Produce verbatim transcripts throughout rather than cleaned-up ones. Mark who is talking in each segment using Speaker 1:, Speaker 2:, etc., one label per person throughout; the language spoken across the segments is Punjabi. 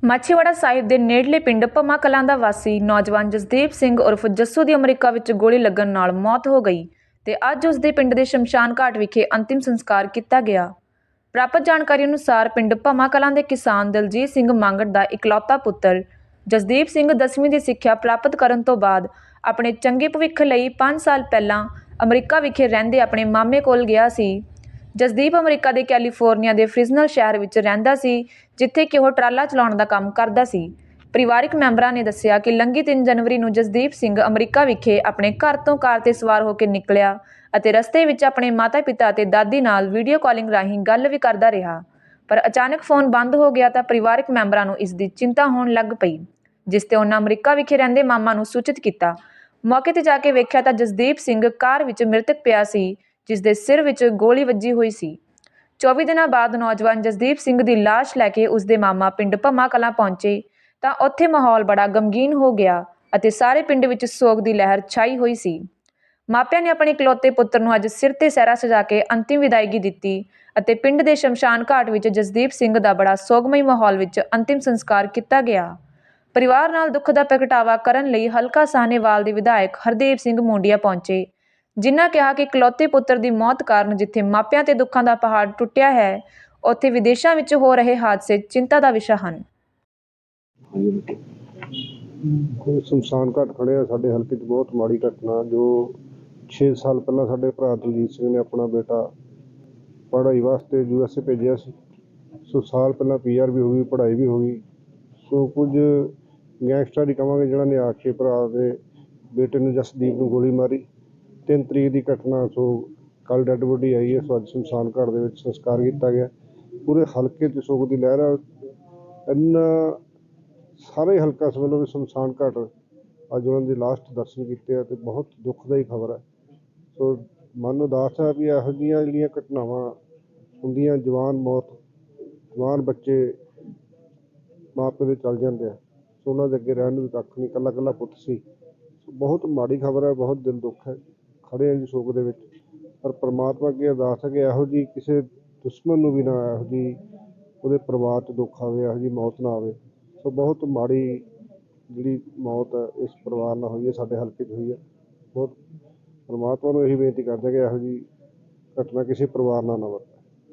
Speaker 1: ਮਾਛੀਵਾੜਾ ਸਾਹਿਬ ਦੇ ਨੇੜਲੇ ਪਿੰਡ ਭੰਮਾ ਕਲਾਂ ਦਾ ਵਾਸੀ ਨੌਜਵਾਨ ਜਸਦੀਪ ਸਿੰਘ ਉਰਫ ਜੱਸੂ ਦੀ ਅਮਰੀਕਾ ਵਿੱਚ ਗੋਲੀ ਲੱਗਣ ਨਾਲ ਮੌਤ ਹੋ ਗਈ ਤੇ ਅੱਜ ਉਸ ਦੇ ਪਿੰਡ ਦੇ ਸ਼ਮਸ਼ਾਨ ਘਾਟ ਵਿਖੇ ਅੰਤਿਮ ਸੰਸਕਾਰ ਕੀਤਾ ਗਿਆ। ਪ੍ਰਾਪਤ ਜਾਣਕਾਰੀ ਅਨੁਸਾਰ ਪਿੰਡ ਭੰਮਾ ਕਲਾਂ ਦੇ ਕਿਸਾਨ ਦਲਜੀਤ ਸਿੰਘ ਮੰਗੜ ਦਾ ਇਕਲੌਤਾ ਪੁੱਤਰ ਜਸਦੀਪ ਸਿੰਘ ਦਸਵੀਂ ਦੀ ਸਿੱਖਿਆ ਪ੍ਰਾਪਤ ਕਰਨ ਤੋਂ ਬਾਅਦ ਆਪਣੇ ਚੰਗੇ ਭਵਿੱਖ ਲਈ ਪੰਜ ਸਾਲ ਪਹਿਲਾਂ ਅਮਰੀਕਾ ਵਿਖੇ ਰਹਿੰਦੇ ਆਪਣੇ ਮਾਮੇ ਕੋਲ ਗਿਆ ਸੀ। ਜਸਦੀਪ ਅਮਰੀਕਾ ਦੇ ਕੈਲੀਫੋਰਨੀਆ ਦੇ ਫ੍ਰਿਜ਼ਨਲ ਸ਼ਹਿਰ ਵਿੱਚ ਰਹਿੰਦਾ ਸੀ, ਜਿੱਥੇ ਕਿ ਉਹ ਟਰਾਲਾ ਚਲਾਉਣ ਦਾ ਕੰਮ ਕਰਦਾ ਸੀ। ਪਰਿਵਾਰਕ ਮੈਂਬਰਾਂ ਨੇ ਦੱਸਿਆ ਕਿ ਲੰਘੀ ਤਿੰਨ ਜਨਵਰੀ ਨੂੰ ਜਸਦੀਪ ਸਿੰਘ ਅਮਰੀਕਾ ਵਿਖੇ ਆਪਣੇ ਘਰ ਤੋਂ ਕਾਰ ਤੇ ਸਵਾਰ ਹੋ ਕੇ ਨਿਕਲਿਆ ਅਤੇ ਰਸਤੇ ਵਿੱਚ ਆਪਣੇ ਮਾਤਾ-ਪਿਤਾ ਅਤੇ ਦਾਦੀ ਨਾਲ ਵੀਡੀਓ ਕਾਲਿੰਗ ਰਾਹੀਂ ਗੱਲ ਵੀ ਕਰਦਾ ਰਿਹਾ, ਪਰ ਅਚਾਨਕ ਫੋਨ ਬੰਦ ਹੋ ਗਿਆ ਤਾਂ ਪਰਿਵਾਰਕ ਮੈਂਬਰਾਂ ਨੂੰ ਇਸ ਦੀ ਚਿੰਤਾ ਹੋਣ ਲੱਗ ਪਈ, ਜਿਸ ਤੇ ਉਹਨਾਂ ਅਮਰੀਕਾ ਵਿਖੇ ਰਹਿੰਦੇ ਮਾਮਾ ਨੂੰ ਸੂਚਿਤ ਕੀਤਾ। ਮੌਕੇ ਤੇ ਜਾ ਕੇ ਵੇਖਿਆ ਤਾਂ ਜਸਦੀਪ ਸਿੰਘ ਕਾਰ ਵਿੱਚ ਮ੍ਰਿਤਕ ਪਿਆ ਸੀ, ਜਿਸ ਦੇ ਸਿਰ ਵਿੱਚ ਗੋਲੀ ਵੱਜੀ ਹੋਈ ਸੀ। ਚੌਵੀ ਦਿਨਾਂ ਬਾਅਦ ਨੌਜਵਾਨ ਜਸਦੀਪ ਸਿੰਘ ਦੀ ਲਾਸ਼ ਲੈ ਕੇ ਉਸਦੇ ਮਾਮਾ ਪਿੰਡ ਭੰਮਾ ਕਲਾਂ ਪਹੁੰਚੇ ਤਾਂ ਉੱਥੇ ਮਾਹੌਲ ਬੜਾ ਗਮਗੀਨ ਹੋ ਗਿਆ ਅਤੇ ਸਾਰੇ ਪਿੰਡ ਵਿੱਚ ਸੋਗ ਦੀ ਲਹਿਰ ਛਾਈ ਹੋਈ ਸੀ। ਮਾਪਿਆਂ ਨੇ ਆਪਣੇ ਇਕਲੌਤੇ ਪੁੱਤਰ ਨੂੰ ਅੱਜ ਸਿਰ ਤੇ ਸਿਹਰਾ ਸਜਾ ਕੇ ਅੰਤਿਮ ਵਿਦਾਇਗੀ ਦਿੱਤੀ ਅਤੇ ਪਿੰਡ ਦੇ ਸ਼ਮਸ਼ਾਨ ਘਾਟ ਵਿੱਚ ਜਸਦੀਪ ਸਿੰਘ ਦਾ ਬੜਾ ਸੋਗਮਈ ਮਾਹੌਲ ਵਿੱਚ ਅੰਤਿਮ ਸੰਸਕਾਰ ਕੀਤਾ ਗਿਆ। ਪਰਿਵਾਰ ਨਾਲ ਦੁੱਖ ਦਾ ਪ੍ਰਗਟਾਵਾ ਕਰਨ ਲਈ ਹਲਕਾ ਸਾਹਨੇਵਾਲ ਦੇ ਵਿਧਾਇਕ ਹਰਦੇਵ ਸਿੰਘ ਮੂੰਡੀਆ ਪਹੁੰਚੇ, ਜਿਨ੍ਹਾਂ ਕਿਹਾ ਕਿ ਇਕਲੌਤੇ ਪੁੱਤਰ ਦੀ ਮੌਤ ਕਾਰਨ ਜਿੱਥੇ ਮਾਪਿਆਂ ਤੇ ਦੁੱਖਾਂ ਦਾ ਪਹਾੜ ਟੁੱਟਿਆ ਹੈ, ਉੱਥੇ ਵਿਦੇਸ਼ਾਂ ਵਿੱਚ ਹੋ ਰਹੇ ਹਾਦਸੇ ਚਿੰਤਾ ਦਾ ਵਿਸ਼ਾ ਹਨ।
Speaker 2: ਸ਼ਮਸ਼ਾਨ ਘਾਟ ਖੜੇ ਆ ਸਾਡੇ ਹਲਕੇ 'ਚ, ਬਹੁਤ ਮਾੜੀ ਘਟਨਾ ਜੋ ਛੇ ਸਾਲ ਪਹਿਲਾਂ ਸਾਡੇ ਭਰਾ ਦਲਜੀਤ ਸਿੰਘ ਨੇ ਆਪਣਾ ਬੇਟਾ ਪੜ੍ਹਾਈ ਵਾਸਤੇ ਯੂ ਐਸ ਏ ਭੇਜਿਆ ਸੀ। ਸੋ ਸਾਲ ਪਹਿਲਾਂ ਪੀ ਆਰ ਵੀ ਹੋ ਗਈ, ਪੜ੍ਹਾਈ ਵੀ ਹੋ ਗਈ। ਸੋ ਕੁਝ ਗੈਂਗਸਟਰ ਹੀ ਕਹਾਂਗੇ ਜਿਹਨਾਂ ਨੇ ਆ ਕੇ ਭਰਾ ਦੇ ਬੇਟੇ ਨੂੰ ਜਸਦੀਪ ਨੂੰ ਗੋਲੀ ਮਾਰੀ। ਤਿੰਨ ਤਰੀਕ ਦੀ ਘਟਨਾ। ਸੋ ਕੱਲ੍ਹ ਡੈੱਡ ਬੋਡੀ ਆਈ ਹੈ। ਸੋ ਅੱਜ ਸ਼ਮਸ਼ਾਨ ਘਾਟ ਦੇ ਵਿੱਚ ਸੰਸਕਾਰ ਕੀਤਾ ਗਿਆ। ਪੂਰੇ ਹਲਕੇ 'ਚ ਸੋਗ ਦੀ ਲਹਿਰ ਆ। ਇੰਨਾ ਸਾਰੇ ਹਲਕਾ ਇਸ ਵੱਲੋਂ ਵੀ ਸ਼ਮਸ਼ਾਨ ਘਾਟ ਅੱਜ ਉਹਨਾਂ ਦੇ ਲਾਸਟ ਦਰਸ਼ਨ ਕੀਤੇ ਆ ਅਤੇ ਬਹੁਤ ਦੁੱਖਦਾਈ ਖਬਰ ਹੈ। ਸੋ ਮਨ ਉਦਾਸ ਹੈ ਵੀ ਇਹੋ ਜਿਹੀਆਂ ਜਿਹੜੀਆਂ ਘਟਨਾਵਾਂ ਹੁੰਦੀਆਂ, ਜਵਾਨ ਮੌਤ, ਜਵਾਨ ਬੱਚੇ ਮਾਂ ਪਿਓ ਦੇ ਚੱਲ ਜਾਂਦੇ ਆ। ਸੋ ਉਹਨਾਂ ਦੇ ਅੱਗੇ ਰਹਿਣ ਨੂੰ ਵੀ ਕੱਖ ਨਹੀਂ, ਇਕੱਲਾ ਇਕੱਲਾ ਪੁੱਤ ਸੀ। ਸੋ ਬਹੁਤ ਮਾੜੀ ਖਬਰ ਹੈ, ਬਹੁਤ ਦਿਲ ਦੁੱਖ ਹੈ। ਖੜ੍ਹੇ ਆ ਜੀ ਸੋਗ ਦੇ ਵਿੱਚ, ਪਰ ਪਰਮਾਤਮਾ ਅੱਗੇ ਅਰਦਾਸ ਹੈ ਕਿ ਇਹੋ ਜਿਹੀ ਕਿਸੇ ਦੁਸ਼ਮਣ ਨੂੰ ਵੀ ਨਾ ਇਹੋ ਜਿਹੀ ਉਹਦੇ ਪਰਿਵਾਰ 'ਚ ਦੁੱਖ ਆਵੇ, ਇਹੋ ਜਿਹੀ ਮੌਤ ਨਾ ਆਵੇ। ਸੋ ਬਹੁਤ ਮਾੜੀ ਜਿਹੜੀ ਮੌਤ ਹੈ ਇਸ ਪਰਿਵਾਰ ਨਾਲ ਹੋਈ ਹੈ, ਸਾਡੇ ਹਲਕੇ 'ਚ ਹੋਈ ਹੈ। ਬਹੁਤ ਪਰਮਾਤਮਾ ਨੂੰ ਇਹੀ ਬੇਨਤੀ ਕਰਦੇ ਕਿ ਇਹੋ ਜਿਹੀ ਘਟਨਾ ਕਿਸੇ ਪਰਿਵਾਰ ਨਾਲ ਨਾ ਵਾਪਰੇ।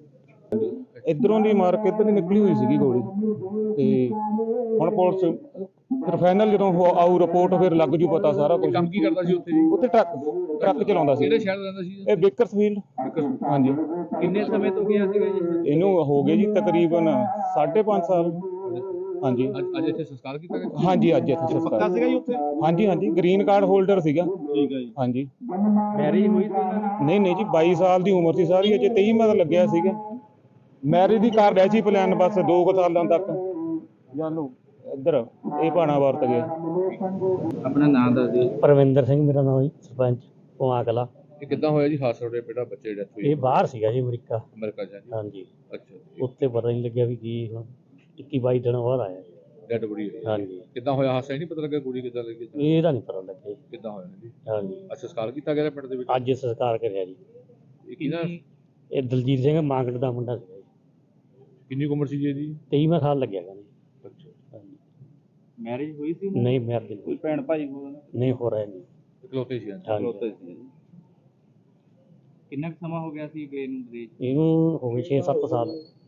Speaker 3: ਇੱਧਰੋਂ ਦੀ ਮਾਰ ਕੇ ਇੱਧਰ ਦੀ ਨਿਕਲੀ ਹੋਈ ਸੀਗੀ ਗੋਲੀ, ਤੇ ਹੁਣ ਪੁਲਿਸ ਫਿਰ ਫਾਈਨਲ ਜਦੋਂ ਆਊ ਰਿਪੋਰਟ ਫਿਰ ਲੱਗ ਜੂ ਪਤਾ ਸਾਰਾ ਕੁਝ।
Speaker 4: ਕੰਮ ਕੀ ਕਰਦਾ ਸੀ ਉੱਥੇ ਜੀ?
Speaker 3: ਉੱਥੇ ਟਰੱਕ ਟਰੱਕ ਚਲਾਉਂਦਾ ਸੀ।
Speaker 4: ਕਿਹੜੇ ਸ਼ਹਿਰ ਰਹਿੰਦਾ ਸੀ
Speaker 3: ਇਹ ਬੇਕਰਸਫੀਲਡ। ਹਾਂਜੀ।
Speaker 4: ਕਿੰਨੇ ਸਮੇਂ ਤੋਂ ਗਿਆ ਸੀਗਾ ਜੀ?
Speaker 3: ਇਹਨੂੰ ਹੋ ਗਏ ਜੀ ਤਕਰੀਬਨ ਸਾਢੇ ਪੰਜ ਸਾਲ। ਹਾਂਜੀ।
Speaker 4: ਅੱਜ ਅੱਜ ਇੱਥੇ ਸੰਸਕਾਰ ਕੀਤਾ ਗਿਆ?
Speaker 3: ਹਾਂਜੀ, ਅੱਜ ਇੱਥੇ ਸੰਸਕਾਰ
Speaker 4: ਪੱਕਾ ਸੀਗਾ ਜੀ ਉੱਥੇ?
Speaker 3: ਹਾਂਜੀ ਹਾਂਜੀ, ਗ੍ਰੀਨ ਕਾਰਡ ਹੋਲਡਰ ਸੀਗਾ।
Speaker 4: ਠੀਕ ਹੈ ਜੀ।
Speaker 3: ਹਾਂਜੀ।
Speaker 4: ਮੈਰਿਜ ਹੋਈ ਸੀ ਉਹਨਾਂ ਦੀ?
Speaker 3: ਨਹੀਂ ਨਹੀਂ ਜੀ, ਬਾਈ ਸਾਲ ਦੀ ਉਮਰ ਸੀ ਸਾਰੀ, ਅਜੇ ਤੇਈ ਮਤ ਲੱਗਿਆ ਸੀਗਾ। ਮੈਰਿਜ ਦੀ ਕਰ ਰਿਹਾ ਸੀ ਪਲਾਨ, ਬਸ ਦੋ ਕੁ ਸਾਲਾਂ ਤੱਕ ਜਾਨੂੰ ਇੱਧਰ ਇਹ ਭਾਣਾ ਵਰਤ ਗਏ।
Speaker 4: ਆਪਣਾ ਨਾਮ ਦੱਸ ਦਿਓ।
Speaker 5: ਪਰਵਿੰਦਰ ਸਿੰਘ ਮੇਰਾ ਨਾਮ ਜੀ, ਸਰਪੰਚ ਭੰਮਾ ਕਲਾਂ।
Speaker 4: ਇਹ ਕਿੱਦਾਂ ਹੋਇਆ ਜੀ ਹਾਦਸਾ? ਤੁਹਾਡੇ ਬੇਟਾ ਬੱਚੇ ਦੀ ਡੈਥ ਹੋਈ
Speaker 5: ਇਹ ਬਾਹਰ ਸੀਗਾ ਜੀ, ਅਮਰੀਕਾ।
Speaker 4: ਅਮਰੀਕਾ ਜਾ ਜੀ?
Speaker 5: ਹਾਂਜੀ।
Speaker 4: ਅੱਛਾ।
Speaker 5: ਉੱਥੇ ਪਤਾ ਨਹੀਂ ਲੱਗਿਆ ਵੀ ਕੀ ਹੁਣ ਇੱਕੀ ਬਾਈ ਦਿਨ ਬਾਅਦ ਆਇਆ ਜੀ।
Speaker 4: ਡੈਡ ਬੋਡੀ ਹੋਈ?
Speaker 5: ਹਾਂਜੀ।
Speaker 4: ਕਿੱਦਾਂ ਹੋਇਆ ਹਾਦਸਾ? ਇਹ ਨਹੀਂ ਪਤਾ ਲੱਗਾ ਗੋਲੀ ਕਿੱਦਾਂ ਲੱਗੀ?
Speaker 5: ਇਹਦਾ ਨਹੀਂ ਪਤਾ ਲੱਗਿਆ ਜੀ।
Speaker 4: ਕਿੱਦਾਂ ਹੋਇਆ ਜੀ?
Speaker 5: ਹਾਂਜੀ।
Speaker 4: ਅੱਜ ਸੰਸਕਾਰ ਕੀਤਾ ਗਿਆ ਪਿੰਡ ਦੇ ਵਿੱਚ?
Speaker 5: ਅੱਜ ਸੰਸਕਾਰ ਕਰਿਆ ਜੀ।
Speaker 4: ਇਹ ਕਿਹਦਾ?
Speaker 5: ਇਹ ਦਲਜੀਤ ਸਿੰਘ ਮੰਗੜ ਦਾ ਮੁੰਡਾ ਸੀਗਾ ਜੀ।
Speaker 4: ਕਿੰਨੀ ਕੁ ਉਮਰ ਸੀ ਜੀ ਇਹਦੀ?
Speaker 5: ਤੇਈਵਾਂ ਸਾਲ ਲੱਗਿਆ ਗਾ ਜੀ।
Speaker 4: ਅੱਛਾ।
Speaker 5: ਹਾਂਜੀ।
Speaker 4: ਮੈਰਿਜ ਹੋਈ ਸੀ?
Speaker 5: ਨਹੀਂ ਮੈਰਿਜ ਨਹੀਂ,
Speaker 4: ਭੈਣ ਭਾਈ
Speaker 5: ਨਹੀਂ ਹੋ ਰਿਹਾ ਜੀ।
Speaker 4: ਇਕਲੌਤੇ ਸੀ?
Speaker 5: ਹਾਂਜੀ।
Speaker 4: ਕਿੰਨਾ ਕੁ ਸਮਾਂ ਹੋ ਗਿਆ ਸੀ ਗਏ ਨੂੰ ਵਿਦੇਸ਼?
Speaker 5: ਇਹਨੂੰ ਹੋ ਗਏ ਛੇ ਸੱਤ ਸਾਲ।